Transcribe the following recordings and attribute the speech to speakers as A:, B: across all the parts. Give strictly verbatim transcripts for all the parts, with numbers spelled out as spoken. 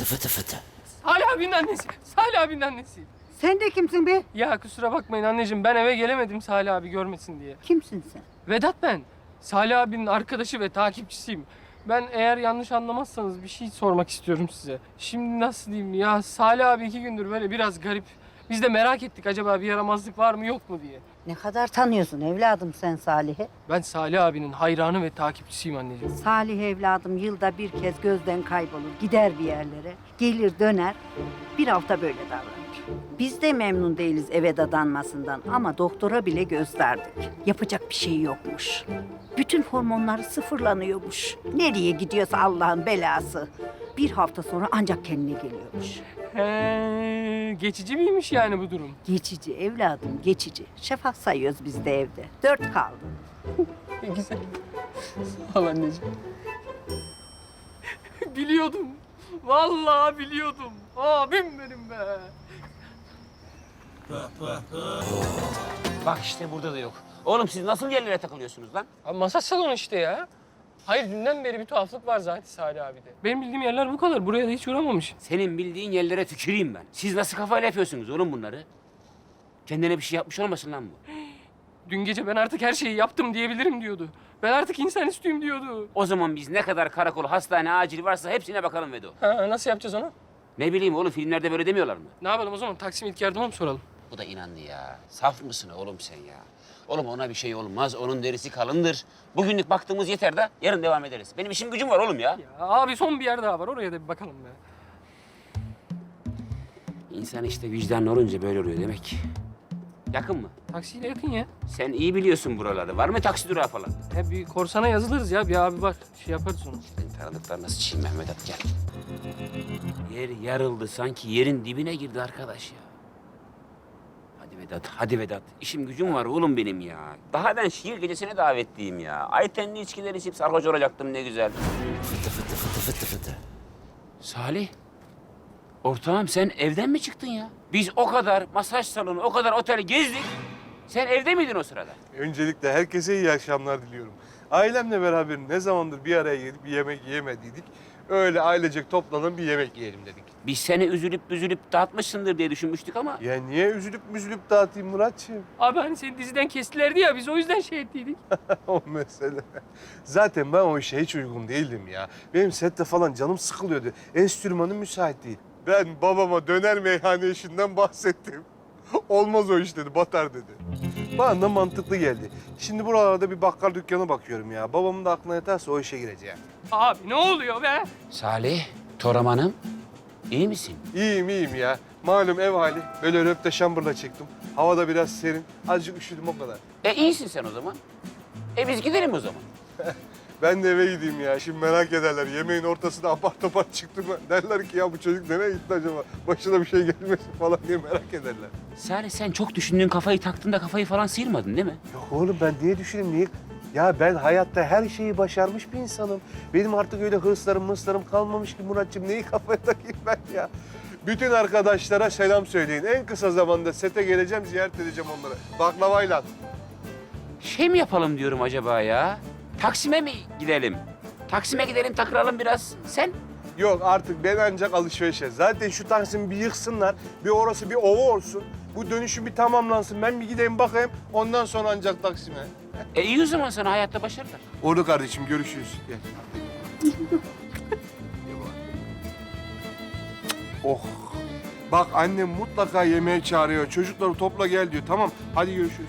A: Fıtı fıtı fıtı.
B: Salih abinin annesi. Salih abinin annesi.
C: Sen de kimsin be?
B: Ya kusura bakmayın anneciğim, ben eve gelemedim Salih abi görmesin diye.
C: Kimsin sen?
B: Vedat ben. Salih abinin arkadaşı ve takipçisiyim. Ben eğer yanlış anlamazsanız bir şey sormak istiyorum size. Şimdi nasıl diyeyim ya, Salih abi iki gündür böyle biraz garip. Biz de merak ettik acaba bir yaramazlık var mı yok mu diye.
C: Ne kadar tanıyorsun evladım sen Salih'i?
B: Ben Salih abinin hayranı ve takipçisiyim anneciğim.
C: Salih evladım yılda bir kez gözden kaybolur, gider bir yerlere. Gelir döner, bir hafta böyle davranır. Biz de memnun değiliz eve dadanmasından ama doktora bile gösterdik. Yapacak bir şey yokmuş. Bütün hormonları sıfırlanıyormuş. Nereye gidiyorsa Allah'ın belası. Bir hafta sonra ancak kendine geliyormuş.
B: He, geçici miymiş yani bu durum?
C: Geçici evladım, geçici. Şafak sayıyoruz biz de evde. Dört kaldı.
B: Güzel. Sağ ol anneciğim. Biliyordum. Vallahi biliyordum. Abim benim be.
A: Bak işte burada da yok. Oğlum siz nasıl yerlere takılıyorsunuz lan?
B: Abi masaj salonu işte ya. Hayır dünden beri bir tuhaflık var zaten Salih abide. Benim bildiğim yerler bu kadar. Buraya da hiç uğramamış.
A: Senin bildiğin yerlere tüküreyim ben. Siz nasıl kafayla yapıyorsunuz oğlum bunları? Kendine bir şey yapmış olmasın lan bu?
B: Dün gece ben artık her şeyi yaptım diyebilirim diyordu. Ben artık insan üstüyüm diyordu.
A: O zaman biz ne kadar karakol, hastane, acil varsa hepsine bakalım Vedo.
B: Ha, nasıl yapacağız onu?
A: Ne bileyim oğlum filmlerde böyle demiyorlar mı?
B: Ne yapalım o zaman? Taksim ilk yardıma mı soralım?
A: Bu da inandı ya. Saf mısın oğlum sen ya? Oğlum ona bir şey olmaz. Onun derisi kalındır. Bugünlük baktığımız yeter de yarın devam ederiz. Benim işim gücüm var oğlum ya.
B: Ya abi son bir yer daha var. Oraya da bir bakalım be.
A: İnsan işte vicdanlı olunca böyle oluyor demek. Yakın mı?
B: Taksiyle yakın ya.
A: Sen iyi biliyorsun buraları. Var mı taksi durağı falan?
B: He bir korsana yazılırız ya. Bir abi var. Şey yaparız onu.
A: Senin tanıdıklar nasıl çiğ Mehmet at gel. Yer yarıldı sanki yerin dibine girdi arkadaş ya. Hadi Vedat, hadi Vedat. İşim gücüm var oğlum benim ya. Daha ben şiir gecesine davetliyim ya. Aytenli içkiler içip sarhoş olacaktım ne güzel.
D: Fıtı fıtı fıtı fıtı fıtı.
A: Salih, ortağım sen evden mi çıktın ya? Biz o kadar masaj salonu, o kadar otel gezdik. Sen evde miydin o sırada?
E: Öncelikle herkese iyi akşamlar diliyorum. Ailemle beraber ne zamandır bir araya gelip bir yemek yemediydik. Öyle ailecek toplanıp bir yemek yiyelim dedik.
A: Biz seni üzülüp üzülüp dağıtmışsındır diye düşünmüştük ama...
E: Ya niye üzülüp müzülüp dağıtayım Muratçığım?
B: Abi hani seni diziden kestilerdi ya. Biz o yüzden şey ettiydik.
E: O mesele. Zaten ben o işe hiç uygun değildim ya. Benim sette falan canım sıkılıyordu. Enstrümanım müsait değil. Ben babama döner meyhane işinden bahsettim. Olmaz o iş dedi, batar dedi. Bana da mantıklı geldi. Şimdi buralarda bir bakkal dükkanı bakıyorum ya. Babamın da aklına yatarsa o işe gireceğim.
B: Abi ne oluyor be?
A: Salih, Toraman'ım, iyi misin?
E: İyiyim iyiyim ya. Malum ev hali. Böyle röpte şambırla çıktım. Havada biraz serin. Azıcık üşüdüm o kadar.
A: E iyisin sen o zaman. E biz gidelim o zaman.
E: Ben de eve gideyim ya. Şimdi merak ederler. Yemeğin ortasında apar topar çıktım. Derler ki ya bu çocuk nereye gitti acaba? Başına bir şey gelmesin falan diye merak ederler.
A: Salih sen çok düşündüğün kafayı taktın da kafayı falan sıyırmadın değil mi?
E: Yok oğlum ben niye düşüneyim? Niye? Ya ben hayatta her şeyi başarmış bir insanım. Benim artık öyle hırslarım mırslarım kalmamış ki Muratçım. Neyi kafaya takayım ben ya? Bütün arkadaşlara selam söyleyin. En kısa zamanda sete geleceğim, ziyaret edeceğim onları. Baklavayla.
A: Şey mi yapalım diyorum acaba ya? Taksim'e mi gidelim? Taksim'e gidelim takılalım biraz. Sen?
E: Yok artık ben ancak alışverişe. Zaten şu Taksim'i bir yıksınlar. Bir orası bir ova olsun. Bu dönüşüm bir tamamlansın. Ben bir gideyim bakayım. Ondan sonra ancak Taksim'e.
A: E iyi o zaman sana hayatta başarılar.
E: Oldu kardeşim görüşürüz. Gel. Oh. Bak annem mutlaka yemeğe çağırıyor. Çocukları topla gel diyor. Tamam hadi görüşürüz.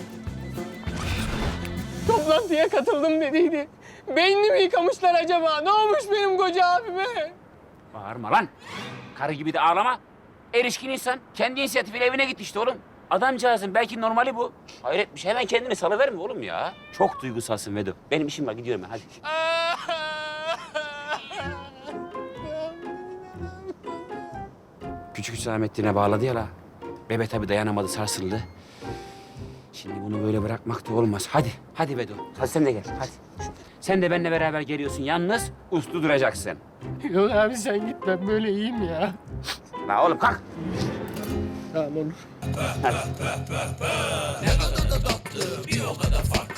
B: Toplantıya katıldım dediydi. Beynini mi yıkamışlar acaba? Ne olmuş benim koca abime?
A: Bağırma lan. Karı gibi de ağlama. Erişkin insan kendi inisiyatifiyle evine gitti işte oğlum. Adamcağızın belki normali bu. Hayret bir şey. Hemen kendini salıverme oğlum ya. Çok duygusalsın Vedo. Benim işim var gidiyorum ben hadi. Küçük Hüsamettin'e bağladı ya la. Bebe tabii dayanamadı sarsıldı. Şimdi bunu böyle bırakmak da olmaz. Hadi, hadi Vedo. Hadi sen de gel, hadi. Sen de benimle beraber geliyorsun. Yalnız uslu duracaksın.
B: Yok abi sen git, ben böyle iyiyim ya.
A: La oğlum kalk.
B: Tamam olur.
A: Hadi.